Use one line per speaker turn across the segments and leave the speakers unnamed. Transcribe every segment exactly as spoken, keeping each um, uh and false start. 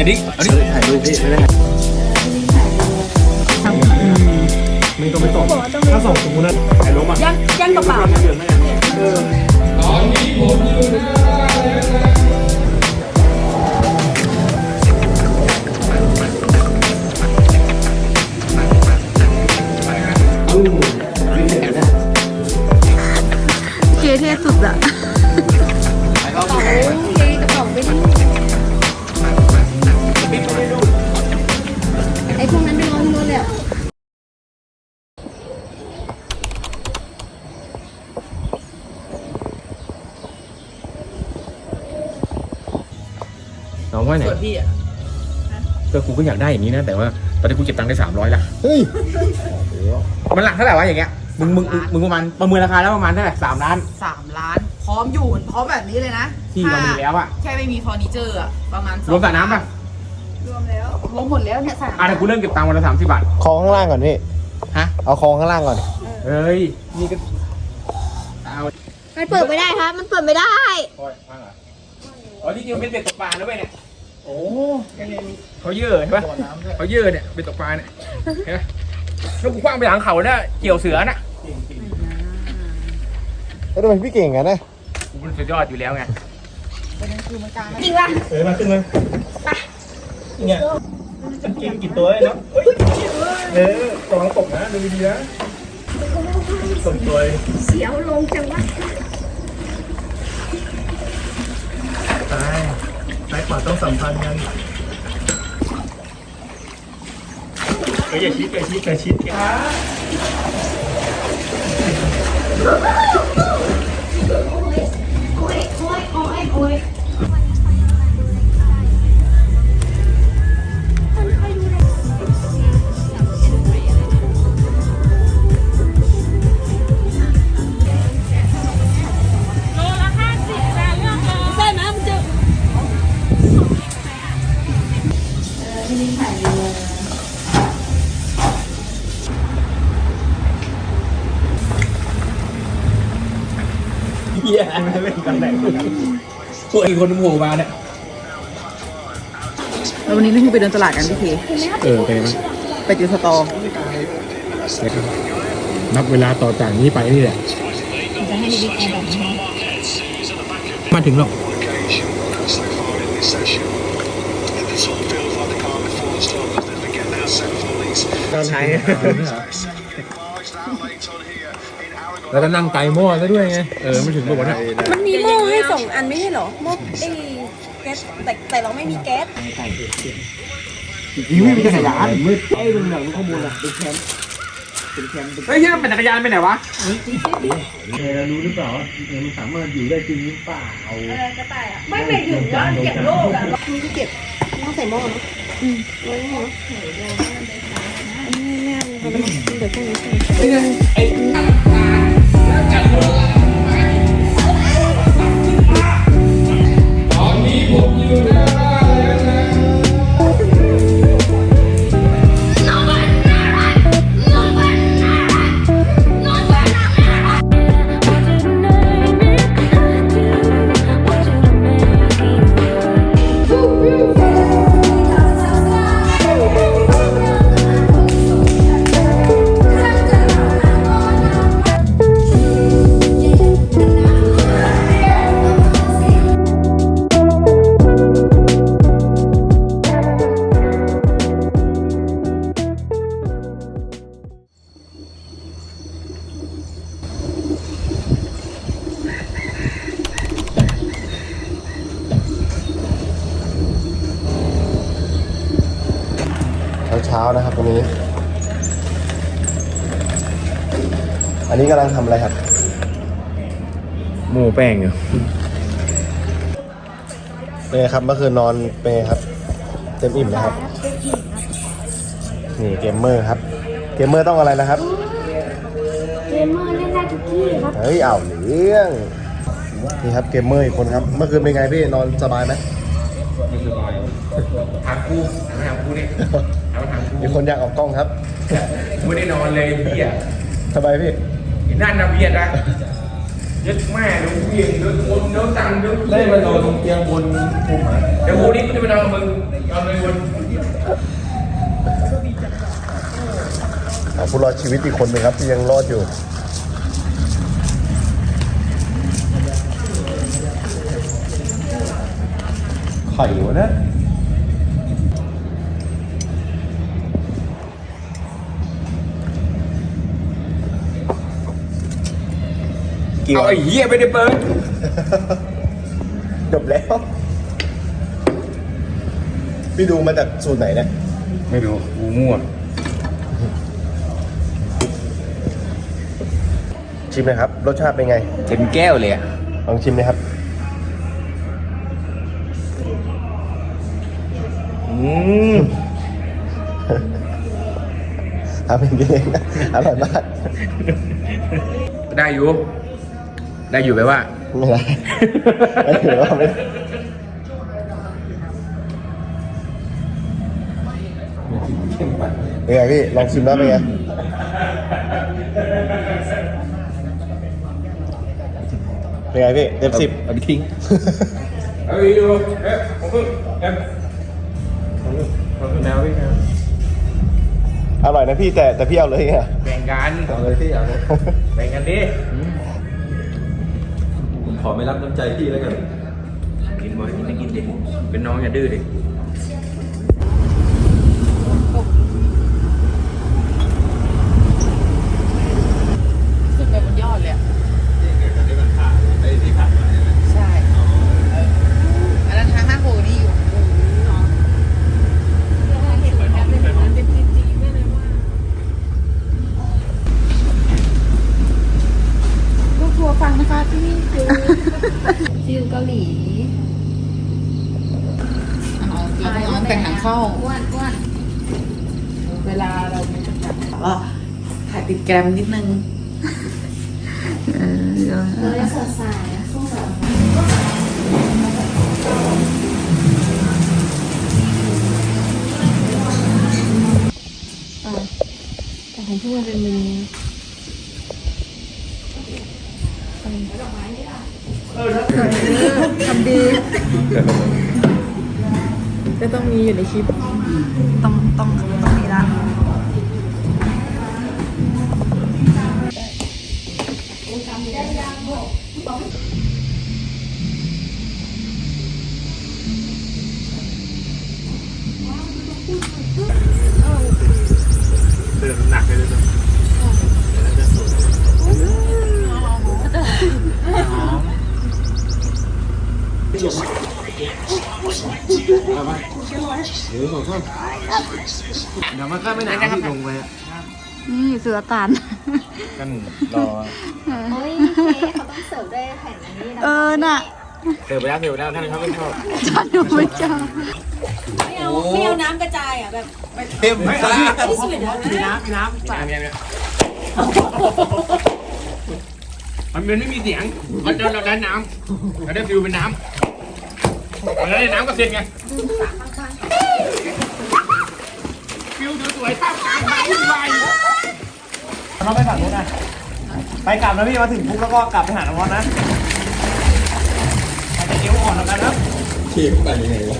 อ้ดิเอาดิถ่ายรูปพี่ไม่ได้มันก็ไม่ตกถ้าสองสมมุตินะถ่ายรูปอ่ะ
ยังยังกระเป๋า
ตอนนี้ผมอยู่หน้า
เกเทสุดอะกระเป๋าเกกระเป๋าไม่ได้ไอ้พวกนั้นไปรอที่รถเลยอะ
น้องว่าไหนก็กูก็อยากได้อย่างนี้นะแต่ว่าตอนนี้กูเก็บตังค์ได้สามร้อยละเฮ้ยมันหลักเท่าไหร่วะอย่างเงี้ยมึงมึงมึงประมาณประเมินราคาแล้วประมาณเท่าไหร่สามล้าน
สามล้านพร้อมอยู่พร้อมแบบนี้เลยนะ
ที่เรามีแล้วอะ
แค่ไม่มีเฟอร์นิเจอร์อะประมาณ
รวมสระน้ำป่ะ
รวมแล้วรวมหมดแล้วเนี่ยสระ
อ่ะเดี๋ยวกูเริ่มเก็บตังค์วันละสามสิบบาท
คลองข้างล่างก่อนพี่
ฮะ
เอาคลองข้างล่างก่อน
เฮ้ยนี่ก็เอา
มันเปิดไม่ได้ครับมันเปิดไม่ได้
โอ้ยว่างเหรออ๋อที่จริงเป็นเบ็ดตกปลาแล้วเว้ยเนี่ยโอ้เขาเยอะใช่ปะเขาเยอะเนี่ยเป็นตกปลาเนี่ยเห็นไหมแล้วกูคว้างไปหลังเขาเนี่ยเกี่ยวเสือน่ะ
แล้วทำไมพี่เก่งกันนะ
กูเป็นสุดยอดอยู่แล้วไง
จริงป่ะ
เออมาขึ้นเลยไปเนี่ยจะกินกี่ตัวเลยเนาะเออตัวตกนะดูดีนะตกตัว
เสียวลงจังวะ
ตายซ้ายขวาต้องสัมพันธ์กันเฮ้ยอย่าชิดอย่าชิดอย่าชิด
เฮียไม่เล่นกันแหละพวกไอ้คนโผล่มาเนี่ย
แล้ววันนี้นี่คือไปเดินตลาดกันพี่เค
เออไปไหม
ไปจิวสตอ
นับเวลาต่อจากนี้ไปนี่แหละ
จะให้บิ๊กแอร์แบบนี้
มาถึงหรอก
ตอนไหน
แล้วก็นั่งไต่หม้อแล้วด้วยไงเออไม่ถึงบอกว่าเนี่ย
มันมีหม้อให้สองอันไม่ใช่หรอหม้อไอ้แก๊สแต่แต่เราไม่มีแก๊ส
ยิงไม่มีจักรยานมืดไอ้ลุงหนังข้อมูลอะเป็นแคมป์เป็นแคมป์เฮ้ยที่นั่นเป็นจักรยานไปไหนวะ
เออรู้หรือเปล่าว่ามันสามารถอยู่ได้จริงหรือเปล่า
เออกระต่ายอ่ะไม่ไม่ถึงว่าเก็บโลกอ่ะมีที่เก็บต้องใส่หม้อเนาะอืมไว้เนาะอันนี้แม่เราไปเดี๋ยวพวกนี้ใส่
ไอ้ตอนนี้ผมอยู่หน้าบ้านแล้วนะ
เช้านะครับตรงนี้อันนี้กำลังทำอะไรครับ
หมูแป้งอยู่
เป็นไงครับเมื่อคืนนอนเป็นไงครับเต็มอิ่มนะครับนี่เกมเมอร์ครับเกมเมอร์ต้องอะไรนะครับ
เกมเมอร์เล่นได้ทุกที่ครับ
เฮ้ยเอาเรื่องนี่ครับเกมเมอร์อีกคนครับเมื่อคืนเป็นไงพี่นอนสบายไหม
ไม่สบายถามกูถามกูดิ
มีคนอยากออกกล้องครับ
ไม่ได้นอนเลยเบียร์
สบายพี่
นั่นนะเบียร์นะยัดแม่เดี๋ยวเวียงเดี๋ยวโอนเดี๋ยวตังเดี๋ยว
เล่นมันโดนเตียงบนภูมิ
เดี๋ยวกูนี่กูจะไปนอนกับมึงนอนเลยวัน
ผู้รอดชีวิตอีกคนหนึ่งครับที่ยังรอดอยู่
ไข่วะนะ
กี่
เอา
วัน
ไอ้เหี้ยไปได้เปิด
จบแล้ว พี่ดูมาจากสูตรไหนเนี่ย
ไม่รู้กูมั่ว
ชิมนะครับ รสชาติเป็นไง
เต็มแก้วเลยอ่ะ
ลองชิมนะครับ
อืม
ทำเป็นกินเองนะอร่อยมาก
ได้อยู่ ได้อยู่ไปว่า
ไม่ได้ไม่ถือว่าไม่เป็นไงพี่ ลองชิมแล้วเป็นไง เป็นไงพี่ เต็มสิบ
เอาไปทิ้งเอาไปดูเอ๊ะผมเพิ่งเอ๊ะผมเพิ่งผมเพิ่งแนวพี่ครับ
อร่อยนะพี่แต่แต่พี่เอาเลยไง
แบ่งกัน
เอาเลยพี่เอาเลย
แบ่งกันดิ
ผมขอไม่รับน้ำใจพี่แล้วกัน
กินบ่อยกินได้กินดิเป็นน้องอย่าดื้อดิ
สุดไปบนยอดเลยอะใช่อันนั้นทางห้าโหนี่อยู่
ลูกทัวร์ฟังนะคะที่นี่คือซิลเกาหลี
เอาเราต้องเอาแต่งหางเข้า
อ้วนอ้วน
เวลาเรามีจำกัดก็ถ่ายติดแกรมนิดนึง
เลยสดใสสู้สดแต่ของพี่มันเป็นมือ
ทำดีก็ต้องมีอยู่ในคลิป ต้องต้องต้องมีละ
เดินหนักเลยเลยเดี๋ยวมันก็ไม่นานที่ลงไป
นี่เสือตาน
กันรอ
เฮ้ยเขาต้องเสิร์ฟด้วยแผ่นอันนี้นะ
เออน่ะ
เสิร์ฟไปแล้วเสิร์ฟไปแล้วท่านเขาไม่ชอบ
ฉันดูไม่ชอบ
ไม่เอาไม่เอาน้ำกระจายอ่ะแบบ
เต็มไม่ละ
ที่สุดแล้วนะ
มีน้ำมีน้ำมีน้ำมันมันไม่มีเสียงมันเราเราได้น้ำเราได้ฟิวเป็นน้ำเราได้น้ำก็เสร็จไงฟิวสวยๆท่ามกลางความวุ่นวาย
เราไปฝั่งนู้นนะไปกลับนะพี่มาถึงปุ๊บแล้วก็กลับไปหาน้องมอสนะอาจจะเอวอ่อนแล้วกันนะเทียบไปยังไงวะ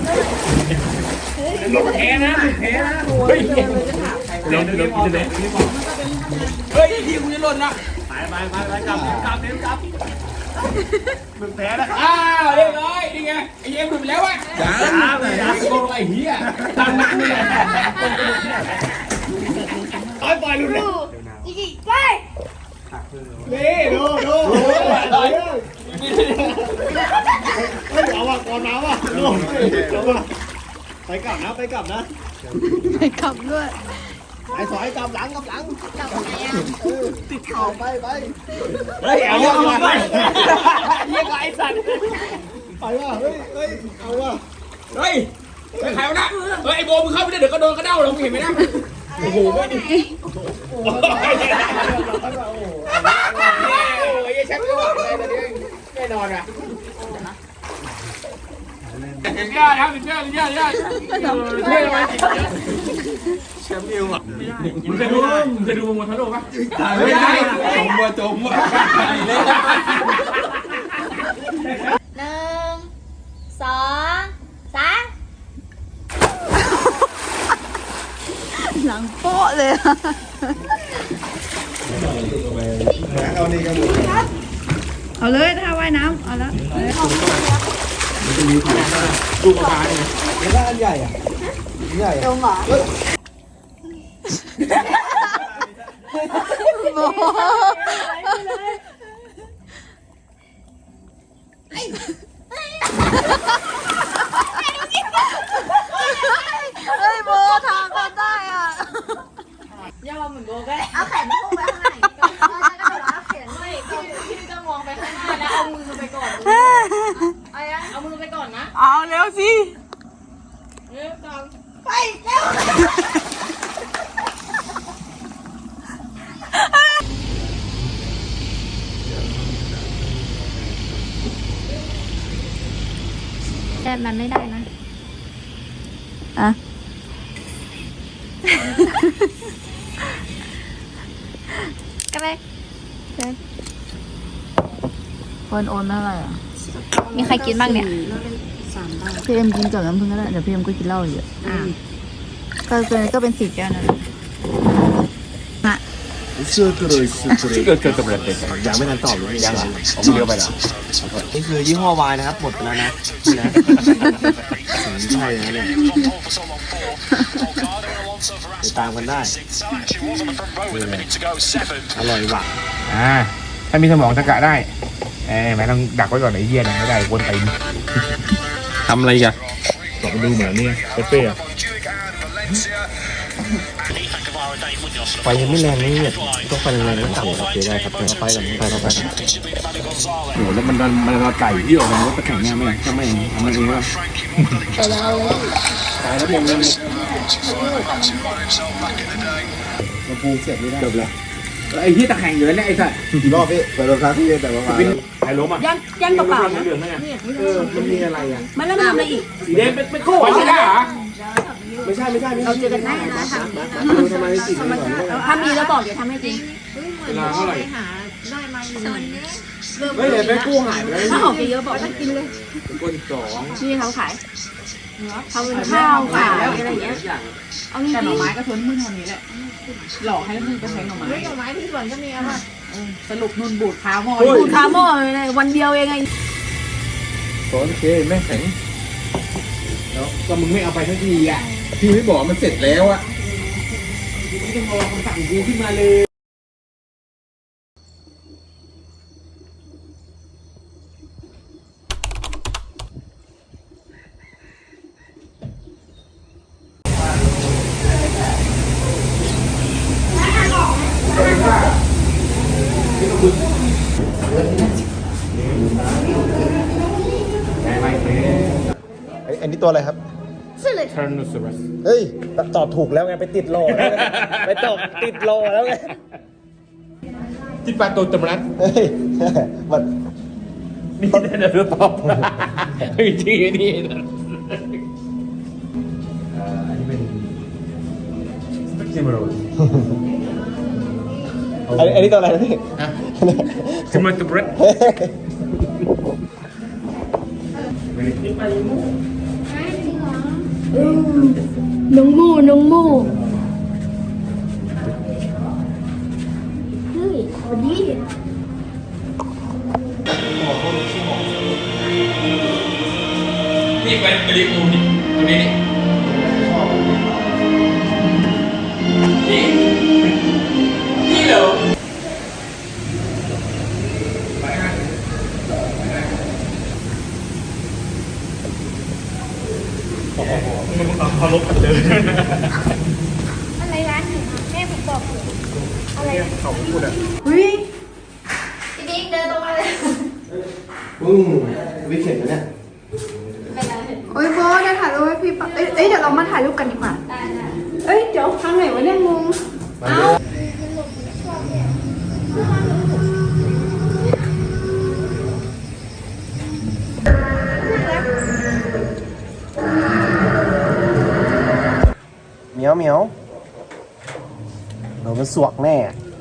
แพ้นะแพ้นะเฮ้ยเล่นเล่นกินเลยเฮ้ยที่คุณจะหล่นละ
ไปไปไปไปกลับกลับเร็วกลับมึงแพ้แล้ว
อ้าวเรียบร้อยนี่ไงไอ้เอ็มหลุดไปแล้วอ่ะจ้าจ้าโกงไอ้เหี้ยตามนักนี่แหละปล่อยปล่อยหลุดเลย
อีกอีกไป
นี่ดูดูเฮ้ยเอาว่ะก่อนน้ำว่ะดูเอาว่ะไปกลับนะไปกลับนะ
ไปขับด้วย
ไปสอยกลับหลังกลับหลัง
กลับไหนอ่ะ
ติดเข่าไปไปเฮ้ยเอาว่ะไปเยี่ยกไอ้สัตว์ไปว่ะเฮ้ยเฮ้ยเอาว่ะ
เฮ้ยไอ้ใครวะนะเฮ้ยไอ้โบมึงเข้าไปได้เดี๋ยวก็โดนกระเด้าลงเห็นไหมนะโอ้โหไม่ดีโอ้ยโอ้ยแชมป์ก็ว่าอะไรตอนนี้แน่นอนอ่ะยอดครับยอดยอดยอดช่วยไหมแชมป์นิวอ่ะมึงเคยดูมึงเคยดูมวยทะลุปะไม่ได้จมว่ะจมว่ะ
หนึ่งสองสาม
หลังโป๊ะเลยอะ
เอานี่กันหมด
เอาเลยถ้าว่ายน้ำเอาละ
ดูกระพายไง
แล้วอันใหญ่อ่ะอันใหญ่
ตรงเหรอ
โบเฮ้ยโบทางกันได้อ่ะ
ย่อเหมือนโบก็ได้เอาแขนพุ่งไปข้างในก่อนเอาแขนไม่พี่พี่ก็มองไปข้างหน้าแล้วเอามือไปก่อนเอายังเอามือไปก่อนนะ
เอาเร็วสิ
หนึ่งสองไปเร็ว แต่มันไม่ได้นะ
อ่ะก็ได้คนโอนเท่าไหร่อ่ะ
มีใครกินบ้างเนี่ย
พี่เอ็มกินกับน้ำผึ้งก็ได้เดี๋ยวพี่เอ็มก็กินเหล้าเยอะ
อ่า
ก็เป็นก็เป็นสี่แก้วนั่นแหละฮะ
เสื้อกระเลยเสื้อกระเลย
ที่เกิดเกิดกับอะไรเด็ก
ยังไม่ทันตอบเลย
ยังเหรอผมเลี้ยวไปเหรอ
นี่คือยี่ห้อวายนะครับหมดไปแล้วนะนะใช่นะเนี่ยไปตามกันได้อร่อยหวาน
อ่าถ้ามีสมองตะกะได้เอ้ไม่ต้องดักไว้ก่อนไอ้เหี้ยนะไม่ได้วนไปทำอะไรกันลองดูเหมือนนี่เป๊ะไฟยังไม่แรงนี่เนี่ยต้องไฟแรงๆต้องต่ำโอเคได้ครับเอาไฟกับไฟไฟโอ้แล้วมันมันมันไก่ที่ออกมาว่าตะแข็งเนี่ยไม่ก็ไม่ทำมันเองว่าแต่เราตายแล้วยังมันมาปูเสร็จไม่ได้จบแล้วไอ้ที่ตะแข็งอยู่แล้วเนี่ยไอ้สัตว์
กี่รอบพี่เปิดรองเท้าที่แต่ว่ามา
เป็นไอ้ล้มอ่ะ
ยังยังกระเป๋า
เหลืองๆนั่นไงเออมันมีอะไรอ่ะ
มันแล้วมันทำอะไรอีก
สีแดงเป็นเป็นคู่ไม่ใช่เหรอ
ไม่ใช่ไม่ใช่ไม่ใช่
เราเจอกันได้นะท
ดูทำไมติดไม่ก่อน
ำถ้ามีแล้วบอกเดี๋ยวทำให้จริง
เวลาเท่าไหร่
เริ่ม
เฮ้ยเดี๋ยวไปกู้หายไปแล้ว
ถ้าออกไปเยอะบอกต้องกินเลย
คนสอง
นี่เขาขายทำเป็นข้าวขายอะไรอย่างเงี้ยเอางี้
แต่หน่อไม้ก็ทนมือเท่านี้แหละ หลอกให้มึงไปแทงหน่อไม้
เฮ้ยดอกไม้ที่สวนก็มีอะค่ะ
สรุปนุ่นบูดเท้าหม้อ
ดูคาโม่เลยวันเดียวเองไง
สอนเคแม่แข็งแล้วก็มึงไม่เอาไปทันทีอ่ะพี่ไม่บอกมันเสร็จแล้วอ่ะไม่ต้องรอคำสั่งกูขึ้นมาเลย
อันนี้ตัวอะไรครับ
ทานุสรัส
เฮ้ยตอบถูกแล้วไงไปติดโลแล้วไงไปตอบติดโลแล้วไง
จิปาโตตมรัส
เฮ้ยมัน
นี่เดี๋ยวตอบจริงๆนี่อันนี้เป็นสเปกซิมโรส
อันนี้อันนี้ตัวอะไรนะพี่
ซิมโรตมรัส
น้องมูน้องมูเฮ้ยวันนี้
นี่เป็นบริอูนี่ตัวนี้นี่นี่เหรอเขาลบกันเลย
อะไรร้านหนึ่งแม่ผมบอกอะไร
เขาพูดอ่ะ
เฮ้ย
พี่บิ๊กเดินตรงมาเลย
อืมวิเศษนะเนี่ย
โอ้ยโบจะถ่ายรูปให้พี่ปะเอ้ยเอ้ยเดี๋ยวเรามาถ่ายรูปกันดีกว่าเอ้ยเดี๋ยวทำไหนวะเนี่ยงง
เ
ยวเหมียวเราเป็นสวกแน่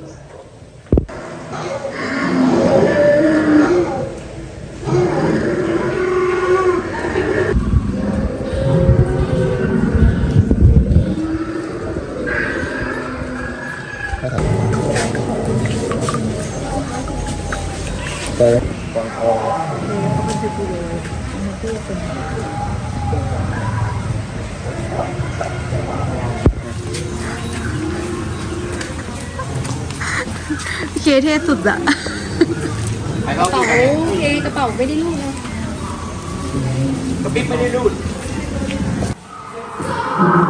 เจอวางคอ
เคเท่สุดอะ
ไปเข้าไป
เคกระเป๋าไม่ได้ลูกนะ
กระปิ๊บไม่ได้รูด